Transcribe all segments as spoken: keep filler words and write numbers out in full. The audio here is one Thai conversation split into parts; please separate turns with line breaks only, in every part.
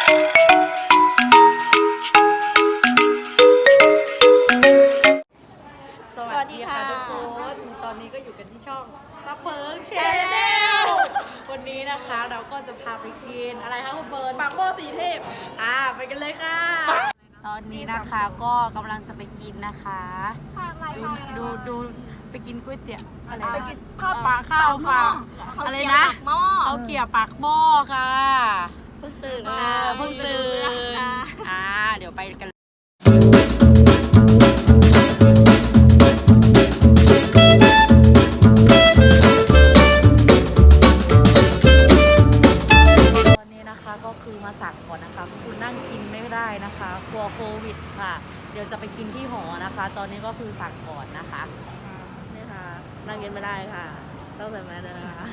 สวัสดีค่ะทุกคนตอนนี้ก็อยู่กันที่ช่องซับเพิร์กแชนแนลวันนี้นะคะเราก็จะพาไปกินอะไรคะคุณเบิร์น
ปากหม้อสีเทพ
อ่าไปกันเลยค่ะตอนนี้นะคะก็กำลังจะไปกินนะคะดูดูดูไปกินก๋วยเตี๋ยวอะไรไปกินข้าวปลาข้าวปลาอะไรนะเขาเกี่ยวปากหม้อค่ะเพิ่งตื่นค่ะเพิ่งตื่นอ่าเดี๋ยวไปกันก็คือมาสั่งก่อนนะคะคือนั่งกินไม่ได้นะคะกลัวโควิดค่ะเดี๋ยวจะไปกินที่หอนะคะตอนนี้ก็คือสั่งก่อนนะคะนี่ค่ะนั่งกินไม่ได้ค่ะต้องใส่แมสด้วยนะคะ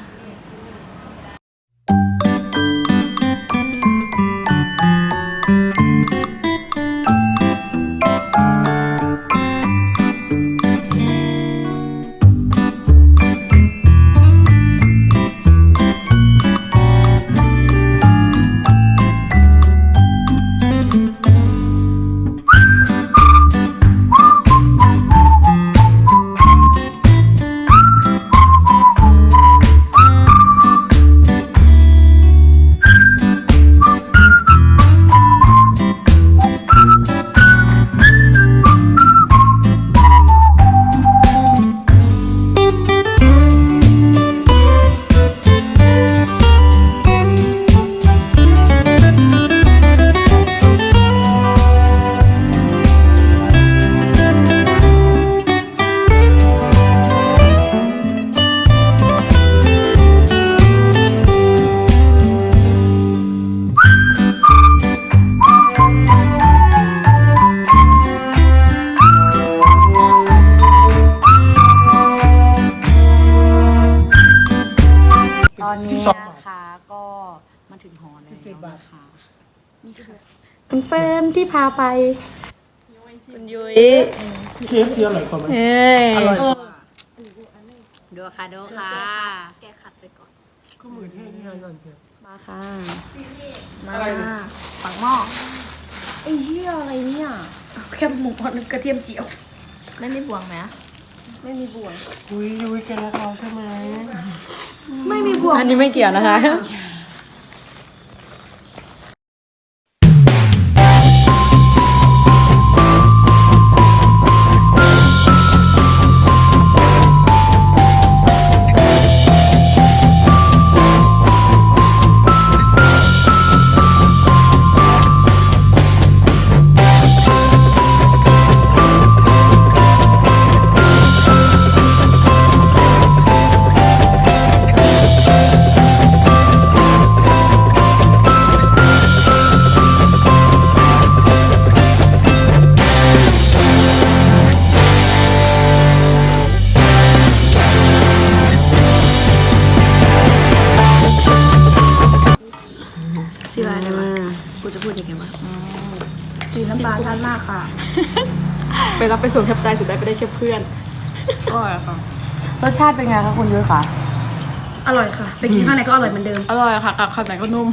ตอนนี้นะคะก็มาถึงหอแล้วนะคะนี่ค่ะคุณเฟิร์มที่พาไปคุณยุ้ย
เคฟซีอร่อยกว่าไหม
อร่อยกว่าดูค่ะดูค่ะแกขัดไปก่อน
ก็มือแห้งๆก่อนเชียว
มาค่ะมา
ปากหม้อ
ไอ้เหี้ยอะไรเนี่ย
แค่หมูทอดกระเทียมเจียว
ไม่มีบ่วงไหม
ไม่มีบ่วง
ยุ้ยยุ้ยแกรักเราใช่ไหม
ไม่มีบ่วง
อันนี้ไม่เกี่ยวนะคะ
สีอะไรวะกูจะพูดยังไงวะสีน้ำตาลชัดมากค่ะ
ไปรับไปส่งแทบใจสุดได้ไปได้แค่เพื่อน
อร่อยค่ะ
รสชาติเป็นไงคะคุณยุ้ยคะ
อร่อยค่ะไปกินข้างในก็อร่อยเหมือนเดิม
อร่อยค่ะกับข้างในก็นุ่ม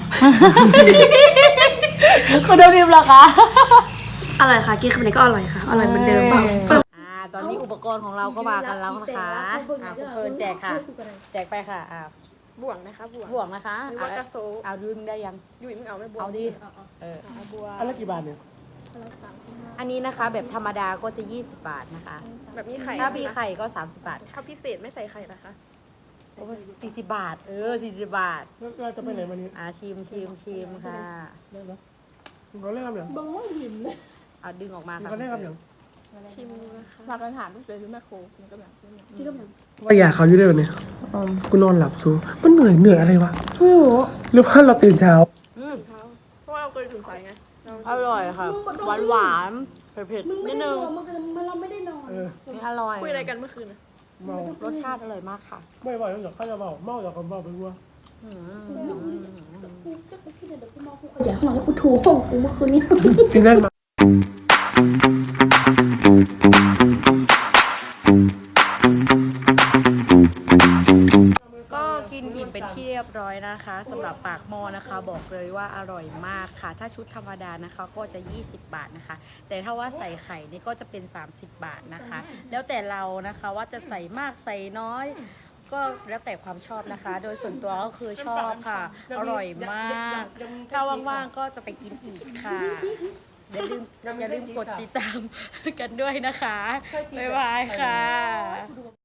คุณเดิมๆเหรอคะ
อร่อยค่ะกินข้างในก็อร่อยค่ะอร่อยเหมือนเดิม
อ่าตอนนี้อุปกรณ์ของเราก็มากันแล้วนะคะอ่าคุณเฟิร์นแจกค่ะแจกไปค่ะอ่า
บ่วงนะคะบ่วง
บ่วงนะคะ
หรือว่ากระโซ
เอายุ้ยมึงได้ยัง
ยุ้ยมึงเอาไม่บ่วง
เอาดิเออ
บัว
อันละกี่บาทเนี่ย
อันนี้นะคะแบบธรรมดาก็จะยี่สิบบาทนะคะ
แบบมีไข่
ถ้ามีไข่ก็สามสิบบาท
ถ้าพิเศษไม่ใส่ไข่นะคะ
สี่สิบบาทเออสี่สิบบาท
แล้วเราจะไปไหนวันนี้
อ่าชิมชิมชิมค่ะ
ได้ไหมเขาเล่นกันอย่าง
บังว่าหิมเลย
เอาดึงออกมาค่ะ
เขาเล่นกันอย่าง
ชิมนะคะมากันถามลูกเลยหรือแม่โคมันก็แบบที่ก็แบบ
ว่าอยากเขาอยู่ได้วันนี้กูนอนหลับซูมันเหนื่อยเหนื่อยอะไรวะโอ้หรือว่าเราตื่นเช้า
เพราะว่าเราเคยถึงสายไง
อร่อยค่ะหวานหวานเผ็ดๆนิดนึง
เราไม่ได้นอน
นี่อร่อย
คุยอะไรกันเมื่อคืน
เมาร
สชาติอร่อยมากค่ะ
ไม่ไหวแล้วเดี๋ยวข้าจะเมาเมาจากคนเมาไปวัว
อยากนอนแล้วกูถูห้องกูเมื่อคืนนี้
กินได้มา
ก็กินอิ่มเป็นที่เรียบร้อยนะคะนะคะสำหรับปากหม้อนะคะบอกเลยว่าอร่อยมากค่ะถ้าชุดธรรมดานะคะก็จะยี่สิบบาทนะคะแต่ถ้าว่าใส่ไข่นี่ก็จะเป็นสามสิบบาทนะคะแล้วแต่เรานะคะว่าจะใส่มากใส่น้อยก็แล้วแต่ความชอบนะคะ โดยส่วนตัวก็คือชอบค่ะอร่อยมากถ้าว่างๆก็จะไปกินอีกค่ะอย่าลืมอย่าลืมกดติดตามกันด้วยนะคะบ๊ายบายค่ะ